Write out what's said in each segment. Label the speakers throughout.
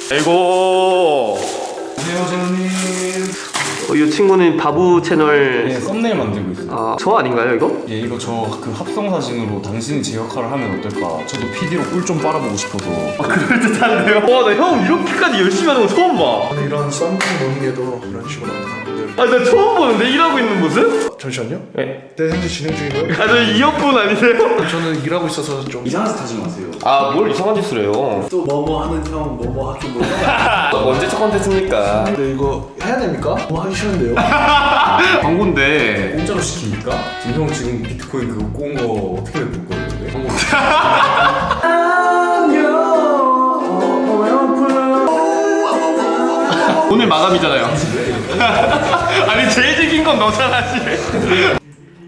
Speaker 1: 아이고.
Speaker 2: 안녕하세요 제노님.
Speaker 1: 이 친구는 바부 채널.
Speaker 2: 네, 썸네일 만들고 있어요.
Speaker 1: 아, 저 아닌가요 이거?
Speaker 2: 예, 이거 저 그 합성 사진으로 당신이 제 역할을 하면 어떨까? 저도 PD로 꿀 좀 빨아보고 싶어서.
Speaker 1: 그럴듯한데요? 와, 나 형 이렇게까지 열심히 하는 거 처음 봐.
Speaker 3: 저는 이런 썸띵 모닝에도 이런 식으로 나타나는 분들.
Speaker 1: 아, 나 처음 보는데 일하고 있는 모습?
Speaker 3: 잠시만요.
Speaker 1: 네.
Speaker 3: 네, 현재 진행 중이고요.
Speaker 1: 아, 저 이어폰 아니세요?
Speaker 3: 저는 일하고 있어서 좀
Speaker 2: 이상한 짓 하지 마세요.
Speaker 1: 아, 뭘 이상한 짓을 해요?
Speaker 3: 또 뭐뭐 하는 형, 뭐뭐 하긴 뭐뭐
Speaker 1: 언제 첫 컨텐츠입니까?
Speaker 3: 근데 이거 해야 됩니까? 뭐 하기 싫은데요.
Speaker 1: 광고인데.
Speaker 2: 공짜로 시킵니까? 지금 형 지금 비트코인 그거 꼬은 거 어떻게 볼 거예요? 근데?
Speaker 1: 오늘 마감이잖아요. 아니, 제일 즐긴 건 너잖아, 씨.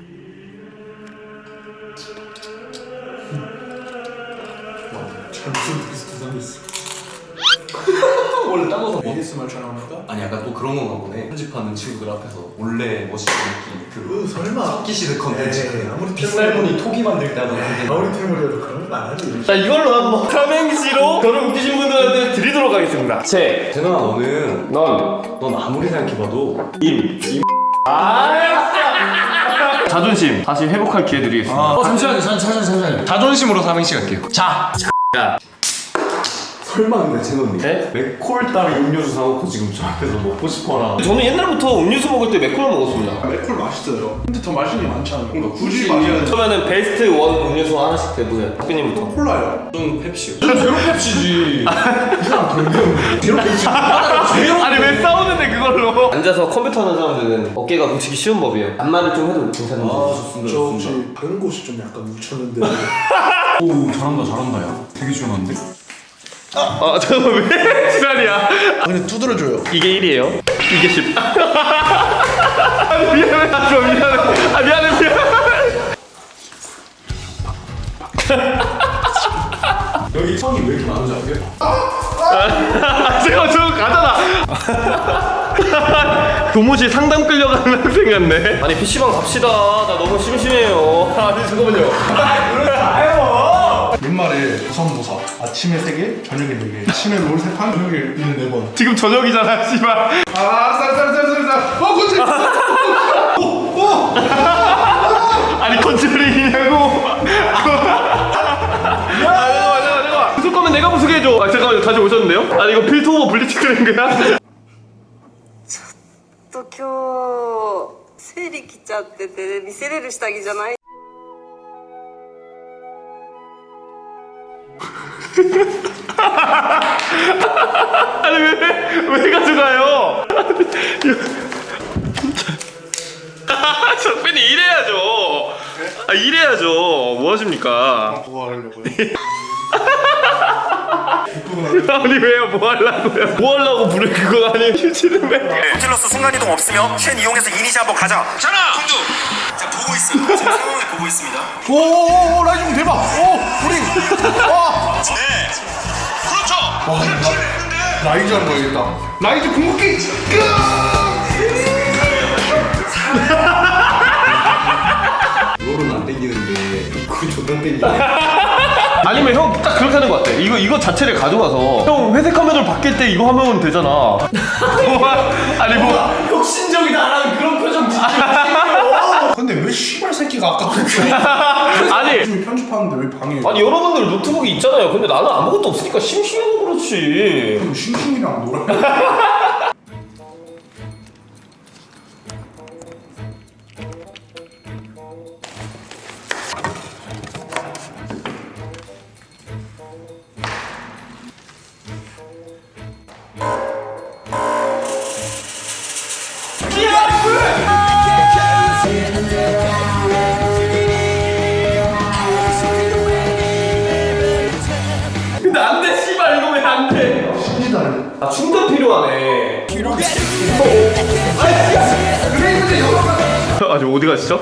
Speaker 3: 잘 무슨 비슷한 있어.
Speaker 2: 원래 따가서
Speaker 3: ASMR 촬영합니까?
Speaker 2: 아니 약간 또 그런 건가 보네. 편집하는 친구들 앞에서 몰래 멋있게 느끼는 그
Speaker 3: 설마.
Speaker 2: 토끼시드 컨텐츠.
Speaker 3: 에이, 아무리
Speaker 2: 빗살무늬 토기 만들 때 하는 컨텐츠.
Speaker 3: 아무리 태물이어도 그런 건 안 하지.
Speaker 1: 자, 이걸로 한번 삼행시로 저를 웃기신 분들한테 드리도록 하겠습니다.
Speaker 2: 재현아 너는 넌 아무리 생각해봐도
Speaker 1: 자존심 다시 회복할 기회 드리겠습니다.
Speaker 2: 잠시만요. 자존심으로 삼행시 갈게요.
Speaker 1: 자.
Speaker 2: 설마 근데 재현님
Speaker 1: 네?
Speaker 2: 맥콜 따위 음료수 사놓고 지금 저 앞에서 먹고 싶어라.
Speaker 1: 저는 옛날부터 음료수 먹을 때 맥콜 먹었습니다.
Speaker 3: 맥콜 맛있어요. 근데 더 맛있는 게 많잖아요.
Speaker 2: 그러니까
Speaker 3: 굳이
Speaker 2: 굳이
Speaker 3: 마셔야 돼.
Speaker 1: 그러면은 베스트 원 음료수 하나씩 대보세요. 학교님부터.
Speaker 3: 콜라요.
Speaker 2: 좀 펩시요.
Speaker 3: 제로 펩시지. 이 사람 돌면 제로 펩시.
Speaker 1: 아니, 왜 싸우는데 그걸로? 앉아서 컴퓨터 하는 사람들은 어깨가 뭉치기 쉬운 법이에요. 반말을 좀 해도 괜찮은데.
Speaker 2: 좋습니다.
Speaker 3: 저 혹시 다른 곳이 좀 약간 뭉쳤는데.
Speaker 2: 오 잘한다 야. 되게 시원한데?
Speaker 1: 잠깐만, 왜 지랄이야?
Speaker 3: 그냥 두드려줘요.
Speaker 1: 이게 1이에요. 이게 10. 아니, 미안해. 미안해.
Speaker 2: 여기 천이 왜 이렇게 많은지 아세요?
Speaker 1: 제가 저거 가잖아. 교무실 상담 끌려가는 학생 같네. 아니, PC방 갑시다. 나 너무 심심해요. 아니, 잠깐만요.
Speaker 3: 옛말에 조선모사 아침에 3개, 저녁에 4개. 아침에 롤 3판, 저녁에 있는 4번.
Speaker 1: 지금 저녁이잖아, 씨발.
Speaker 3: 쌀. 그렇지.
Speaker 1: 아니, 컨트롤이냐고. 잠깐만. 부술 거면 내가 부수게 해줘. 아, 잠깐만요. 다시 오셨는데요? 아니, 이거 필터 오버 블리츠 그린 거야?
Speaker 4: と今日生理来ちゃってて見せれる下着じゃない。
Speaker 1: 아니, 왜 가져가요? 석빈이 일해야죠. 아, 일해야죠. 뭐 하십니까?
Speaker 3: 뭐 하려고요?
Speaker 1: 아니, 왜요? 뭐 하려고요? 뭐 하려고 부를 그거 아니에요? 휴지는 왜?
Speaker 5: 호텔로서 순간이동 없으며 쉔 이용해서 이니시 한번 가자. 자나 공주. 자 보고 있어요. 지금 상황을 보고 있습니다.
Speaker 3: 오, 라이징 대박. 오, 우리. 와.
Speaker 5: 네. 그렇죠.
Speaker 3: 와, 라이즈 하는 거야겠다. 라이즈 궁극기.
Speaker 2: 롤은 안 땡기는데 그거 존나 땡기네.
Speaker 1: 아니면 형 딱 그렇게 하는 거 같아. 이거 자체를 가져가서 형 회색 화면을 바뀔 때 이거 하면 되잖아. 아니 뭐
Speaker 2: 혁신적이다라는 그런 표정 진짜.
Speaker 3: 근데 왜 씨발 새끼가 아까 그랬어?
Speaker 1: 아니
Speaker 3: 요즘 편집하는데 왜 방해?
Speaker 1: 아니 여러분들 노트북이 있잖아요. 근데 나는 아무것도 없으니까 심심해서 그렇지.
Speaker 3: 싱싱이랑 놀아.
Speaker 1: 근데 안 돼, 씨발 이거 왜 안 돼?
Speaker 3: 신기하네.
Speaker 1: 아, 충전 필요하네. 아직 어디 가시죠?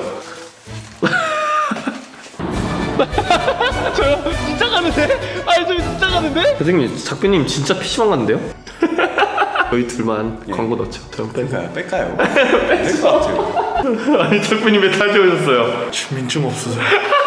Speaker 1: 저요? 진짜 가는데? 아니 저 진짜 가는데? 선생님, 작가님 진짜 PC방 갔는데요? 저희 둘만 광고 넣죠. 그럼
Speaker 2: 뺄까요? 뺄것 같아요.
Speaker 1: 아니 작가님 왜 다시 오셨어요?
Speaker 3: 주민증 없어서.